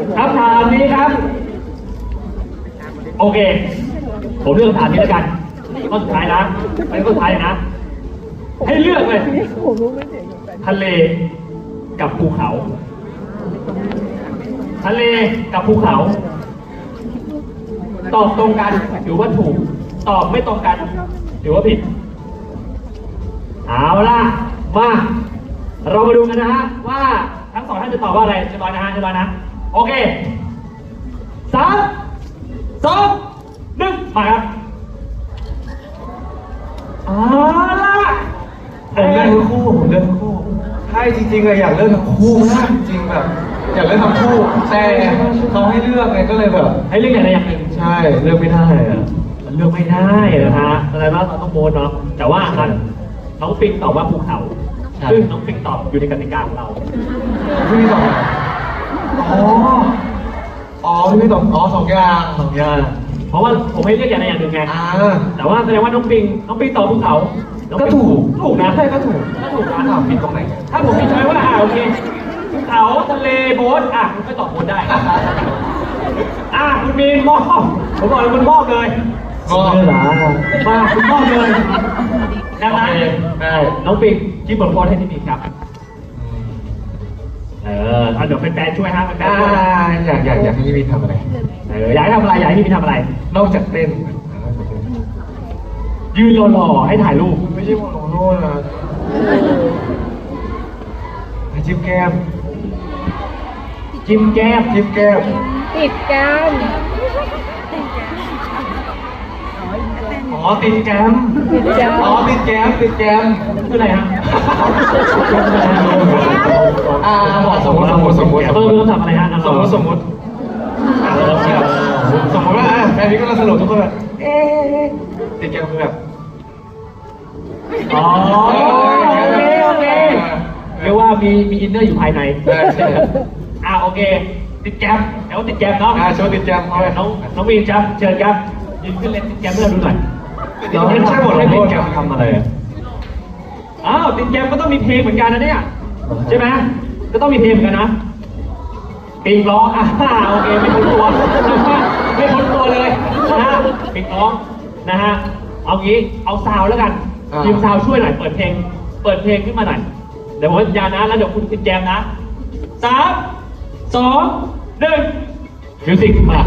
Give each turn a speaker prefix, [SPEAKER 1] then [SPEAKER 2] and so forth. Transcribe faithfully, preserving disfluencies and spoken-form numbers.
[SPEAKER 1] คำถามนี้ครับโอเคผมเลือกคำถามนี้แล้วกันข้อสุดท้ายนะเป็นข้อสุดท้ายนะให้เลือกเลยทะเลกับภูเขาทะเลกับภูเขาตอบตรงกันถือว่าถูกตอบไม่ตรงกันถือว่าผิดเอาล่ะมาเรามาดูกันนะฮะว่าทั้งสองท่านจะตอบว่าอะไรเรียบร้อยนะฮะเรียบร้อยนะโอเคสามสองหนึ่งมาครับเอาล่ะ
[SPEAKER 2] ผมเลือกทั้งคู่ผมเลือกทั้งคู่ใช่จริงๆอะอยากเลือกทั้งคู่นะจริงๆแบบอยากเลือกทั้งคู่แต่เขาให้เลือกไงก็เลยแบบ
[SPEAKER 1] ให้เลือกอย่างใดอย่างหนึ่ง
[SPEAKER 2] ใช่เลือกไม่ได้อะ
[SPEAKER 1] มันเลือกไม่ได้นะฮะอะไรว่าเราต้องโบนเนาะแต่ว่าอันน้องปิงตอบว่าภูเขาซึ่งน้องปิงตอบอยู่ในกติกาของเรา
[SPEAKER 2] พี่พี่ตอบอ๋ออ๋อพี่พี่ตอบอ๋อสองอย่างสองอย่าง
[SPEAKER 1] เพราะว่าผมให้เลือกอย่างใดอย่างหนึ่งไง
[SPEAKER 2] อ่า
[SPEAKER 1] แต่ว่าแสดงว่าน้องปิงน้องปิงตอบภูเขาน้อง
[SPEAKER 2] ก็
[SPEAKER 1] ปิง
[SPEAKER 2] ถูก
[SPEAKER 1] ถูกนะ
[SPEAKER 2] ใช่ก็ถูก
[SPEAKER 1] ก็ถูกนะ
[SPEAKER 2] ถามผิดตรงไหน
[SPEAKER 1] ถ้าผมมีช้อยว่าอ่าโอเคภูเขาทะเลโบ๊ทอ่ะคุณก็ตอบโบ๊ทได้อ่ะคุณมีนมอบผมบอกเลยคุณมอบเลย
[SPEAKER 2] ก็เหรอ
[SPEAKER 1] มาคุณมอบเลยดังนั้น
[SPEAKER 2] ได้
[SPEAKER 1] น้องปิงที่บทโพสให้ที่มีครับเออเอาเดี๋ยวเป็นแฟนช่วยฮะเป็นแฟน
[SPEAKER 2] อ่า
[SPEAKER 1] ช่วย
[SPEAKER 2] อยากอยากอยากให้พี่พี่ทำอะไร
[SPEAKER 1] เอออยากให้ทำอะไรอยากให้พี่ทำอะไร
[SPEAKER 2] นอกจากเต้น
[SPEAKER 1] ยืนหล่อๆให้ถ่ายรูป
[SPEAKER 2] ไม่ใช่โมโนโน่นะให้จิ้มแก้ม
[SPEAKER 1] จิ้มแก้ม
[SPEAKER 2] จิ้มแก้ม
[SPEAKER 3] ติดกัน
[SPEAKER 2] อ๋อติดแก้ม
[SPEAKER 3] ติดกัน
[SPEAKER 2] อ๋อติดแก้มติดแก้ม
[SPEAKER 1] คืออะไรฮะ
[SPEAKER 2] อ่าสมมติสมมติสมมติ
[SPEAKER 1] เออคือคำถามอะไรฮะ
[SPEAKER 2] สมมติสมมติอ่าสมมติสมมติว่าอ่ะแฟนพี่ก็เราสรุปทุกคนแบบเอ๊ะติดแก้มคือแบบ
[SPEAKER 1] อ๋อโอเคโอเคเรียกว่ามีมีอินเนอร์อยู่ภายใน
[SPEAKER 2] ได้ใช่
[SPEAKER 1] อ่าโอเค ติดแก้มเดี๋ยวติดแก้มเนาะ
[SPEAKER 2] อ่าโชว์ติดแก้มเอาเลย
[SPEAKER 1] น้องน้องมีนครับเชิญครับยืนขึ้นเล่นติดแก้มเพื่อดูหน่อย
[SPEAKER 2] เราไม่ใช่บทลงโทษแก้มทำอะไรอ่ะ
[SPEAKER 1] อ้าวติดแก้มก็ต้องมีเพลงเหมือนกันนะเนี่ยใช่ไหมก็ต้องมีเพลงเหมือนกันนะปิงร้องอ่าโอเคไม่พ้นตัวไม่พ้นตัวเลยนะฮะปิงร้องนะฮะเอางี้เอาซาวแล้วกันทีมซาวช่วยหน่อยเปิดเพลงเปิดเพลงขึ้นมาหน่อยเดี๋ยวผมสัญญานะแล้วเดี๋ยวคุณติดแก้มนะสามสองหนึ่งมิวสิกมา